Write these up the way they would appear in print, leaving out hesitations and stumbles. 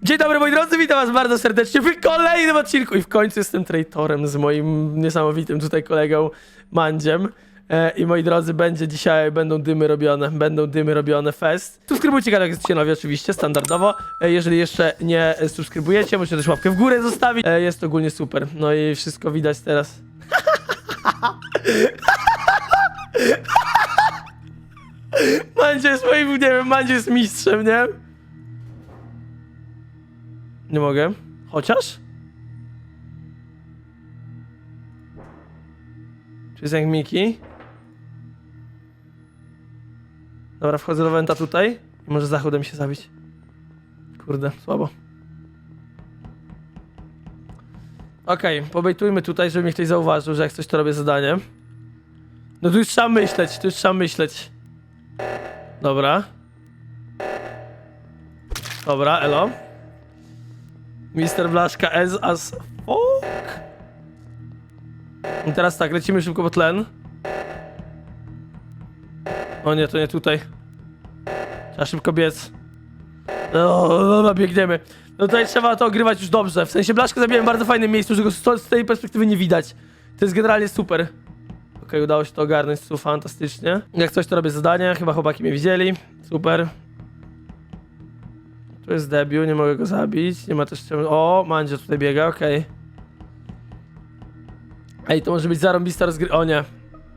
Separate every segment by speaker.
Speaker 1: Dzień dobry moi drodzy, witam was bardzo serdecznie w kolejnym odcinku i w końcu jestem traitorem z moim niesamowitym tutaj kolegą Mandziem. I moi drodzy, będą dymy robione, fest. Subskrybujcie kanał, jak jesteście nowi oczywiście, standardowo. Jeżeli jeszcze nie subskrybujecie, możecie też łapkę w górę zostawić. Jest ogólnie super, no i wszystko widać teraz. Mandzie jest moim, nie wiem, Mandzie jest mistrzem, nie? Nie mogę. Chociaż? Czy jest jak Miki? Dobra, wchodzę do Wenta tutaj i może zachodem się zabić. Kurde, słabo. Okej, pobejtujmy tutaj, żeby mnie ktoś zauważył, że jak coś to robię zadanie. No tu już trzeba myśleć, Dobra. Dobra, elo. Mister Blaszka as fuck. I teraz tak, lecimy szybko po tlen. O nie, to nie tutaj. Trzeba szybko biec. No, dobra, biegniemy. No tutaj trzeba to ogrywać już dobrze. W sensie Blaszkę zabiłem w bardzo fajnym miejscu, że go z tej perspektywy nie widać. To jest generalnie super. Okej, udało się to ogarnąć, fantastycznie. Jak coś to robię zadanie, chyba chłopaki mnie widzieli. Super. Tu jest debiut, nie mogę go zabić. Nie ma też... O, Mandzio tutaj biega, okej. Ej, to może być zarąbista rozgry... O nie.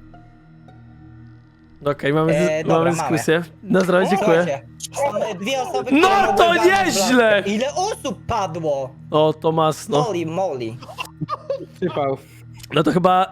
Speaker 1: Okej, mamy dyskusję. Na zdrowie, dziękuję.
Speaker 2: Słuchajcie, są dwie osoby,
Speaker 1: No
Speaker 2: które
Speaker 1: to
Speaker 2: mogły walnąć
Speaker 1: nieźle!
Speaker 2: blaszkę. Ile osób padło?
Speaker 1: O, to masno.
Speaker 2: Molly.
Speaker 3: Sypał.
Speaker 1: No to chyba...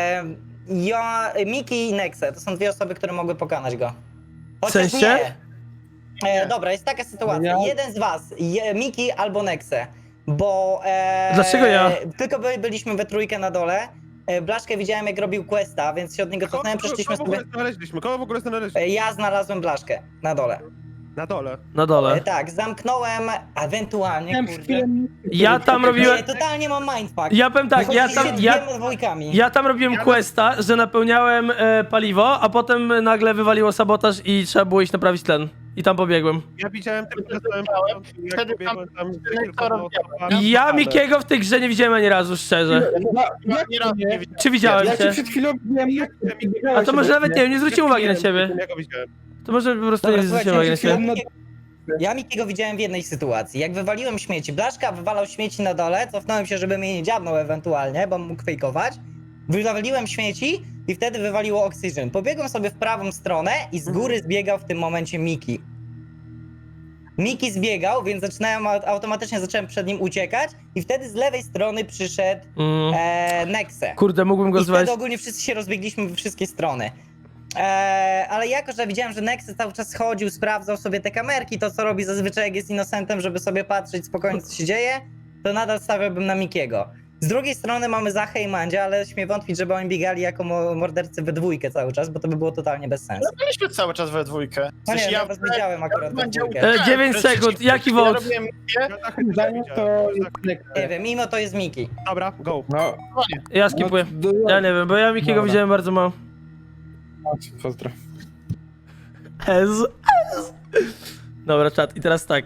Speaker 2: Miki i Nexe, to są dwie osoby, które mogły pokonać go.
Speaker 1: W sensie?
Speaker 2: Nie. Dobra, jest taka sytuacja.
Speaker 3: Ja?
Speaker 2: Jeden z was, Miki albo Nexe, bo...
Speaker 1: Dlaczego ja?
Speaker 2: Tylko byliśmy we trójkę na dole. Blaszkę widziałem, jak robił questa, więc się od niego cofnąłem, przeszliśmy sobie...
Speaker 4: Kogo w ogóle znaleźliśmy?
Speaker 2: Ja znalazłem Blaszkę na dole.
Speaker 4: Na dole.
Speaker 1: Na dole.
Speaker 2: Tak, zamknąłem, ewentualnie, kurde...
Speaker 1: Ja tam robiłem...
Speaker 2: Nie, totalnie mam mindfuck.
Speaker 1: Ja powiem tak,
Speaker 2: dwiema dwójkami.
Speaker 1: ja tam robiłem questa, że napełniałem paliwo, a potem nagle wywaliło sabotaż i trzeba było iść naprawić tlen. I tam pobiegłem.
Speaker 4: Ja widziałem tylko, że
Speaker 3: Wtedy
Speaker 1: Ja Mikiego w tej grze nie widziałem ani razu, szczerze.
Speaker 4: nie raz nie widziałem.
Speaker 1: Czy widziałem
Speaker 3: Ja cię
Speaker 1: cię?
Speaker 3: przed chwilą widziałem, jak
Speaker 1: A to może nawet nie zwróciłem uwagi na ciebie.
Speaker 4: Ja go widziałem.
Speaker 1: To może po prostu
Speaker 2: Dobra,
Speaker 1: nie zwróciłem uwagi na
Speaker 2: słuchajcie,
Speaker 1: ciebie.
Speaker 2: ja Mikiego widziałem w jednej sytuacji. Jak wywaliłem śmieci, Blaszka wywalał śmieci na dole, cofnąłem się, żeby mnie nie dziabnął ewentualnie, bo mógł fejkować. Wywaliłem śmieci i wtedy wywaliło Oxygen. Pobiegłem sobie w prawą stronę i z góry zbiegał w tym momencie Miki. Miki zbiegał, więc automatycznie zacząłem przed nim uciekać i wtedy z lewej strony przyszedł Nexe.
Speaker 1: Kurde, mógłbym go
Speaker 2: I
Speaker 1: zwać.
Speaker 2: wtedy ogólnie wszyscy się rozbiegliśmy we wszystkie strony. Ale jako, że widziałem, że Nexe cały czas chodził, sprawdzał sobie te kamerki, to co robi zazwyczaj jak jest innocentem, żeby sobie patrzeć spokojnie co się dzieje, to nadal stawiałbym na Mikiego. Z drugiej strony mamy Zachę i Mandzia, ale śmiem wątpić, żeby oni biegali jako mordercy we dwójkę cały czas, bo to by było totalnie bez sensu.
Speaker 5: Byliśmy cały czas we dwójkę. W
Speaker 2: No nie,
Speaker 5: sensie
Speaker 2: ja was widziałem akurat we dwójkę.
Speaker 1: 9 sekund, jaki
Speaker 5: Ja
Speaker 1: wod?
Speaker 5: robiłem
Speaker 3: Zdaniem to
Speaker 2: Nie wiem, mimo to jest Miki.
Speaker 4: Dobra, go.
Speaker 3: No,
Speaker 1: Ja skipuję. Ja nie wiem, bo ja Mikiego
Speaker 3: Dobra.
Speaker 1: widziałem bardzo mało.
Speaker 3: pozdro.
Speaker 1: Dobra, czat. I teraz tak.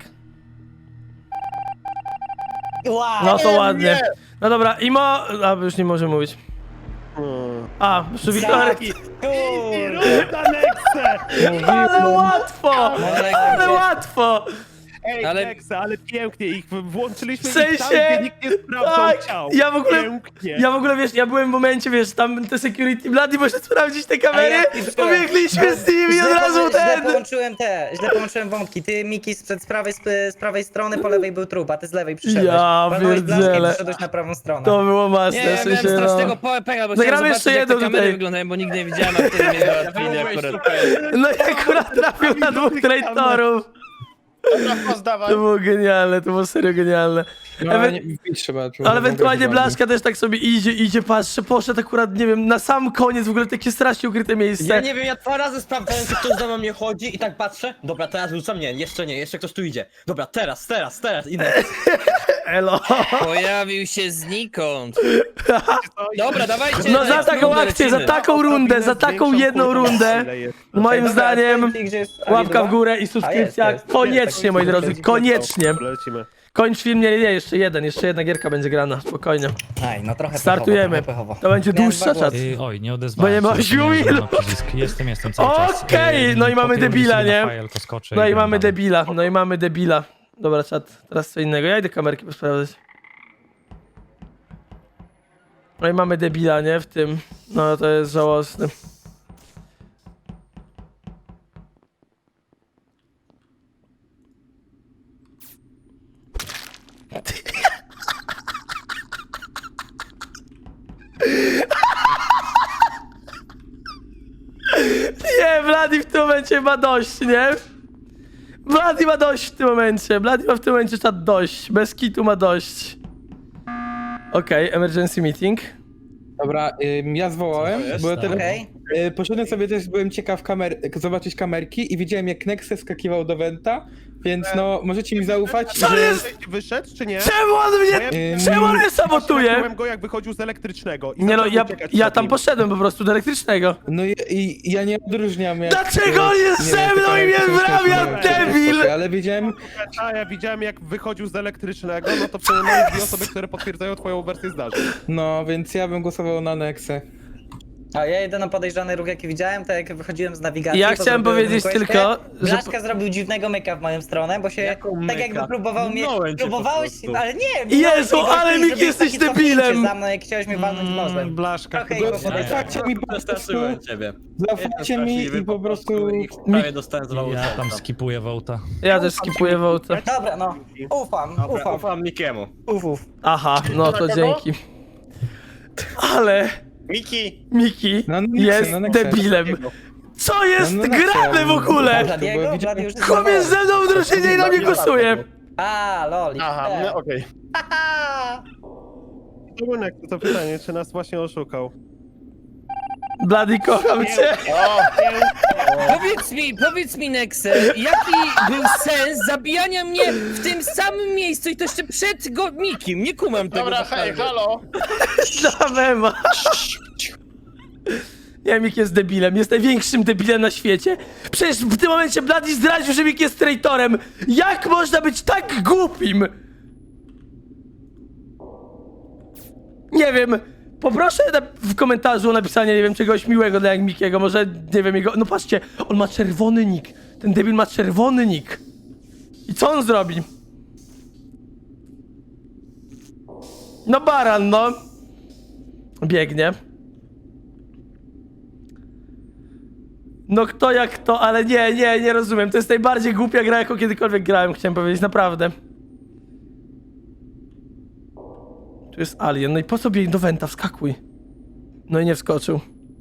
Speaker 2: Wow!
Speaker 1: No to ładnie. No dobra, Imo... A, już nie może mówić. A, już Wiktor...
Speaker 2: Kurde!
Speaker 1: Ale łatwo! Ale łatwo!
Speaker 4: Ej, ale pięknie ich włączyliśmy
Speaker 1: W sensie-
Speaker 4: i tam, gdzie nikt nie sprawdzał
Speaker 1: tak,
Speaker 4: ciał.
Speaker 1: ja w ogóle-
Speaker 4: Pięknie.
Speaker 1: Ja w ogóle, wiesz, ja byłem w momencie, wiesz, tam te security blady, może sprawdzić te kamery,
Speaker 2: A ja pisałem.
Speaker 1: pobiegliśmy z nimi od razu
Speaker 2: Źle połączyłem wątki. Ty, Miki, z prawej strony, po lewej był trup, a ty z lewej przyszedłeś.
Speaker 1: Ja
Speaker 2: Walnąłeś blaszkę i
Speaker 1: pierdzielę.
Speaker 2: przyszedłeś na prawą stronę.
Speaker 1: To było mocne,
Speaker 6: Nie, ja
Speaker 1: w
Speaker 6: miałem
Speaker 1: sensie,
Speaker 6: strasznego
Speaker 1: no.
Speaker 6: PvP, bo
Speaker 1: Zagramy
Speaker 6: chciałem
Speaker 1: jeszcze
Speaker 6: zobaczyć, jak te
Speaker 1: jedną
Speaker 6: kamery
Speaker 1: tutaj.
Speaker 6: wyglądają, bo nigdy nie widziałem, a wtedy mnie załatwili akurat.
Speaker 1: No i akurat trafił na dwóch traitorów.
Speaker 5: Pozdawaj.
Speaker 1: To było genialne, to było serio genialne.
Speaker 3: No, nie, pić trzeba.
Speaker 1: Ale ewentualnie Blaszka też tak sobie idzie, patrzy, poszedł akurat, nie wiem, na sam koniec, w ogóle takie strasznie ukryte miejsce.
Speaker 7: Ja nie wiem, ja 2 razy sprawdzałem, czy ktoś za mną nie chodzi i tak patrzę. Dobra, teraz rzucam, nie, jeszcze ktoś tu idzie. Dobra, teraz, idę.
Speaker 1: Elo.
Speaker 6: Pojawił się znikąd. Dobra, dawajcie.
Speaker 1: No za
Speaker 6: next
Speaker 1: taką
Speaker 6: rundę
Speaker 1: akcję, za
Speaker 6: lecimy.
Speaker 1: taką rundę, za taką jedną rundę. Moim
Speaker 2: Dobra,
Speaker 1: zdaniem
Speaker 2: powiem ci, gdzie jest
Speaker 1: łapka
Speaker 2: Ali
Speaker 1: w górę i subskrypcja.
Speaker 2: jest.
Speaker 1: Koniecznie, moi drodzy, koniecznie.
Speaker 4: Lecimy.
Speaker 1: Kończ film, nie, jeszcze jedna gierka będzie grana, spokojnie.
Speaker 2: Aj, no trochę
Speaker 1: Startujemy.
Speaker 2: pechowo.
Speaker 1: To będzie
Speaker 2: Miałem
Speaker 1: dłuższa
Speaker 2: dwa
Speaker 1: czat.
Speaker 2: głosy.
Speaker 8: Oj, nie odezwałem
Speaker 1: Bo nie ma
Speaker 8: się,
Speaker 1: siły.
Speaker 8: nie na przycisk. Jestem cały czas.
Speaker 1: Okej, no i mamy
Speaker 8: Po tym
Speaker 1: debila,
Speaker 8: sobie
Speaker 1: nie?
Speaker 8: na file, to skoczę
Speaker 1: No i
Speaker 8: gram
Speaker 1: mamy
Speaker 8: dalej.
Speaker 1: debila, Dobra, czat, teraz co innego. Ja idę kamerki posprawdzać. No i mamy debila, nie? W tym. No to jest żałosne. Nie, Vladi w tym momencie ma dość, nie? Vladi ma dość w tym momencie. Vladi ma w tym momencie czat dość. Bez kitu ma dość. Okej, emergency meeting.
Speaker 3: Dobra, ja zwołałem, bo ja teraz
Speaker 2: Okej.
Speaker 3: poszedłem sobie też, byłem ciekaw zobaczyć kamerki i widziałem jak Nexe skakiwał do Venta, więc no możecie mi zaufać,
Speaker 1: Co
Speaker 3: że...
Speaker 1: jest?
Speaker 4: Wyszedł, czy nie?
Speaker 1: Czemu on mnie... Czemu on mnie sabotuje?
Speaker 4: Trafiłem go, jak wychodził z elektrycznego. I
Speaker 1: Nie no,
Speaker 4: zaczął uciekać
Speaker 1: ja
Speaker 4: przed
Speaker 1: tam
Speaker 4: nim.
Speaker 1: poszedłem po prostu do elektrycznego.
Speaker 3: No i ja nie odróżniam jak...
Speaker 1: Dlaczego on jest
Speaker 3: nie
Speaker 1: ze
Speaker 3: wiem,
Speaker 1: mną i mnie
Speaker 3: pytałem,
Speaker 1: wrabia,
Speaker 3: czy to
Speaker 1: debil?
Speaker 3: Ale wiedziałem,
Speaker 4: A ja widziałem, jak wychodził z elektrycznego, no to przynajmniej dwie osoby, które potwierdzają twoją wersję zdarzeń.
Speaker 3: no więc ja bym głosował na Nexę.
Speaker 2: A ja jedyny podejrzany ruch jaki widziałem, to jak wychodziłem z nawigacji.
Speaker 1: Ja
Speaker 2: to
Speaker 1: chciałem
Speaker 2: zrobiłem
Speaker 1: powiedzieć
Speaker 2: questę.
Speaker 1: tylko, że...
Speaker 2: Blaszka zrobił dziwnego myka w moją stronę, bo się
Speaker 7: Jaką
Speaker 2: tak jakby
Speaker 7: myka?
Speaker 2: próbował mnie...
Speaker 7: Minąłem cię po
Speaker 2: Próbowałeś...
Speaker 7: prostu.
Speaker 2: Ale nie!
Speaker 1: Jezu,
Speaker 2: minąłeś mnie
Speaker 1: ale
Speaker 2: gościu i
Speaker 1: Miki,
Speaker 2: zrobiłeś
Speaker 1: jesteś
Speaker 2: takie cofnięcie
Speaker 1: debilem.
Speaker 2: za mną, jak chciałeś mnie walnąć nożem.
Speaker 7: Blaszka,
Speaker 2: Trochę
Speaker 7: chyba
Speaker 2: jego podejrzane.
Speaker 3: Zaufajcie mi po prostu,
Speaker 7: Przestraszyłem ciebie.
Speaker 3: zaufajcie mi i po prostu...
Speaker 7: I prawie dostałem z
Speaker 8: Ja tam skipuję Wołta.
Speaker 1: Ja też skipuję wołtę.
Speaker 2: Dobra, no. Ufam.
Speaker 7: Ufam Mikiemu.
Speaker 2: Uf.
Speaker 1: Aha, no to dzięki. Ale
Speaker 5: Miki!
Speaker 1: Miki
Speaker 3: No, no,
Speaker 1: jest
Speaker 3: no, Nexę.
Speaker 1: debilem. Co jest
Speaker 3: No, no,
Speaker 1: grane
Speaker 3: Nexę,
Speaker 1: w ogóle?
Speaker 2: Bladiego?
Speaker 3: widziałem-
Speaker 2: Blady już jest
Speaker 1: Chłop jest ze mną w drużynie i na mnie głosuje.
Speaker 2: A, lol.
Speaker 5: Aha, no okej.
Speaker 4: Runek, to pytanie, czy nas właśnie oszukał?
Speaker 1: Bloody, kocham cię.
Speaker 5: O,
Speaker 6: Powiedz mi, Nexe, jaki był sens zabijania mnie w tym samym miejscu i to jeszcze przed Mikim? Nie kumam tego.
Speaker 5: dobra,
Speaker 6: naprawdę.
Speaker 5: hej, halo!
Speaker 1: Za mema. Nie, Mik jest debilem, jest największym debilem na świecie. Przecież w tym momencie Bloody zdradził, że Mik jest traitorem. Jak można być tak głupim? Nie wiem, poproszę w komentarzu o napisanie, nie wiem, czegoś miłego dla Mikiego, może, nie wiem, jego... No patrzcie, on ma czerwony nick. Ten debil ma czerwony nick. I co on zrobi? No baran, no. Biegnie. No kto jak to, ale nie rozumiem. To jest najbardziej głupia gra, jaką kiedykolwiek grałem, chciałem powiedzieć, naprawdę. Tu jest alien, no i po co biegł do Venta? Wskakuj. No i nie wskoczył.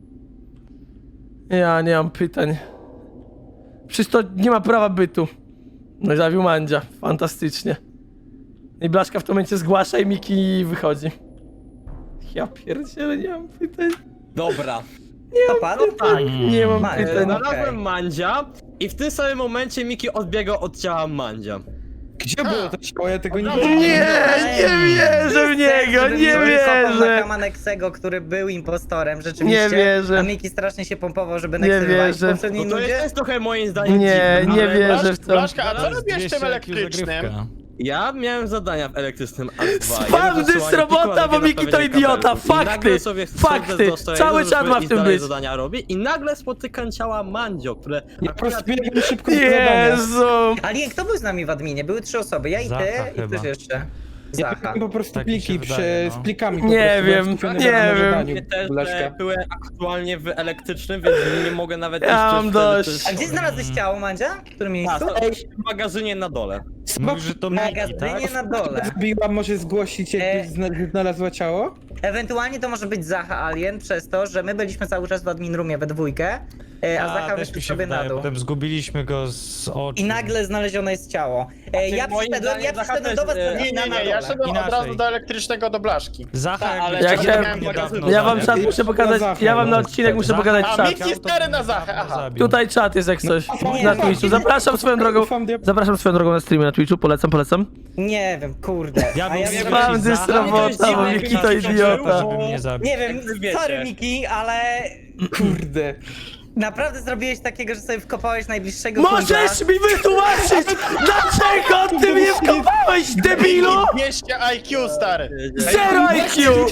Speaker 1: Ja nie mam pytań. Przecież to nie ma prawa bytu. No i zabił Mandzia, fantastycznie. I Blaszka w tym momencie zgłasza i Miki wychodzi. Ja pierdzielę, nie mam pytań.
Speaker 7: Dobra.
Speaker 2: To padł?
Speaker 7: Tak.
Speaker 1: Nie mam
Speaker 2: Mandzia.
Speaker 1: pytań.
Speaker 7: Znalazłem Mandzia i w tym samym momencie Miki odbiegał od ciała Mandzia.
Speaker 3: Gdzie było to ciało? Ja tego nie
Speaker 1: Nie, nie wierzę w niego, nie wierzę.
Speaker 2: Kama Nexego, który był impostorem, rzeczywiście.
Speaker 1: Nie wierzę.
Speaker 2: A Miki strasznie się pompował, żeby
Speaker 1: Nie
Speaker 2: Nexe wywalić
Speaker 1: wierzę.
Speaker 2: w poprzedniej
Speaker 7: No to
Speaker 2: nudzie.
Speaker 7: jest trochę moim zdaniem
Speaker 1: Nie,
Speaker 7: dziwne,
Speaker 1: nie
Speaker 7: ale
Speaker 1: wierzę w to.
Speaker 5: Blaszka, a co
Speaker 7: Zaraz
Speaker 5: robisz w tym elektrycznym?
Speaker 7: Ja miałem zadania w elektrycznym A2.
Speaker 1: Spam dys robota, bo Miki to idiota. Fakty, fakty. Cały czat ma w tym być.
Speaker 7: zadania robi i nagle spotykam ciała Mandzio, które
Speaker 3: Ja po prostu biegłem szybko z zadania.
Speaker 1: Jezu.
Speaker 2: Ale kto był z nami w adminie? Były 3 osoby, ja i
Speaker 8: Zacha
Speaker 2: ty i
Speaker 8: chyba.
Speaker 2: ktoś jeszcze.
Speaker 3: Ja
Speaker 2: Zacha.
Speaker 3: biegłem po prostu
Speaker 8: Tak mi się
Speaker 3: pliki
Speaker 8: wydaje, no.
Speaker 3: z plikami po
Speaker 1: Nie
Speaker 3: prostu, byłem
Speaker 1: wiem,
Speaker 3: skupiony
Speaker 1: nie
Speaker 3: na
Speaker 1: wiem.
Speaker 3: zadaniu,
Speaker 7: też
Speaker 3: Blaszka.
Speaker 7: byłem aktualnie w elektrycznym, więc nie mogę nawet
Speaker 1: Ja
Speaker 7: iść
Speaker 1: mam
Speaker 7: wtedy
Speaker 1: dość.
Speaker 7: też-
Speaker 2: A gdzie znalazłeś ciało, Mandzia? W którym
Speaker 7: A,
Speaker 2: miejscu?
Speaker 7: to w magazynie na dole.
Speaker 8: Mówisz, że to
Speaker 2: W
Speaker 8: Miki,
Speaker 2: magazynie
Speaker 8: tak?
Speaker 2: na dole.
Speaker 3: Zbiła, może zgłosić, jak znalazła ciało?
Speaker 2: Ewentualnie to może być Zacha Alien przez to, że my byliśmy cały czas w admin roomie we dwójkę a Zacha
Speaker 8: też
Speaker 2: wyszedł
Speaker 8: mi się
Speaker 2: sobie na
Speaker 8: wydaje,
Speaker 2: dół.
Speaker 8: potem zgubiliśmy go z oczu.
Speaker 2: I nagle znalezione jest ciało. Ja
Speaker 7: moim
Speaker 2: przyszedłem
Speaker 7: zdaniem Zacha
Speaker 2: do was
Speaker 7: też,
Speaker 5: Nie,
Speaker 2: na
Speaker 5: ja
Speaker 2: dole.
Speaker 5: szedłem od
Speaker 8: Inaczej.
Speaker 5: razu do elektrycznego do blaszki.
Speaker 8: Zacha,
Speaker 7: ale
Speaker 8: jakby
Speaker 1: ja
Speaker 8: cię
Speaker 1: chciałem-
Speaker 8: niedawno
Speaker 1: Ja wam
Speaker 8: zabił.
Speaker 1: czat muszę pokazać, ja wam na odcinek muszę pokazać
Speaker 5: A,
Speaker 1: czat.
Speaker 5: Miki stary na Zachę, aha.
Speaker 8: Zabił.
Speaker 1: Tutaj czat jest jak coś
Speaker 2: nie,
Speaker 1: na
Speaker 2: nie.
Speaker 1: Twitchu. Zapraszam swoją drogą.
Speaker 3: Ufam diabłu.
Speaker 1: Zapraszam swoją drogą na streamie na Twitchu, polecam.
Speaker 2: Nie wiem, kurde.
Speaker 8: Ja
Speaker 2: A
Speaker 8: bym
Speaker 2: ja
Speaker 8: nie
Speaker 1: Mam
Speaker 8: Zacha-
Speaker 1: dysrobota, bo
Speaker 7: Zacha-
Speaker 1: Miki to idiota.
Speaker 8: Żeby mnie zabił.
Speaker 2: nie wiem,
Speaker 7: wiecie.
Speaker 2: sorry Miki, ale
Speaker 3: Kurde.
Speaker 2: naprawdę zrobiłeś takiego, że sobie wkopałeś najbliższego
Speaker 1: Możesz mi wytłumaczyć, dlaczego ty mnie wkopałeś, debilu?
Speaker 5: 200 IQ, stary.
Speaker 1: Zero IQ!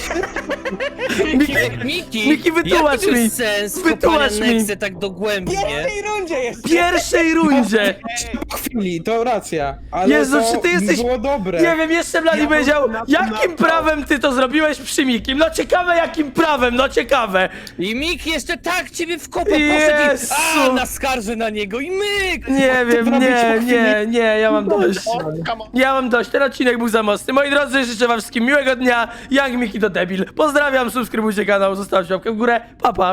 Speaker 1: Miki, wytłumacz
Speaker 6: jaki był
Speaker 1: mi.
Speaker 6: sens
Speaker 1: Wytłumacz
Speaker 6: wkopania
Speaker 1: mi.
Speaker 6: Nexy tak dogłębnie?
Speaker 2: W pierwszej rundzie
Speaker 1: W
Speaker 2: jest.
Speaker 1: pierwszej rundzie!
Speaker 3: Po chwili, to racja. Ale
Speaker 1: Jezu,
Speaker 3: to
Speaker 1: czy ty jesteś-
Speaker 3: było dobre.
Speaker 1: Nie wiem, jeszcze Blady powiedział, jakim prawem ty to zrobiłeś przy Mikim? No ciekawe jakim prawem, no ciekawe.
Speaker 6: I Mik jeszcze tak ciebie wkopał, poszedł
Speaker 1: Jezu.
Speaker 6: i naskarży na niego i myk!
Speaker 1: Nie wiem,
Speaker 3: robić
Speaker 1: nie,
Speaker 3: po
Speaker 1: nie, ja mam dość.
Speaker 5: O, come on.
Speaker 1: Ja mam dość, ten odcinek był za mocny. Moi drodzy, życzę wam wszystkim miłego dnia. Young Miki to debil. Pozdrawiam, subskrybujcie kanał, zostawcie łapkę w górę. Pa, pa.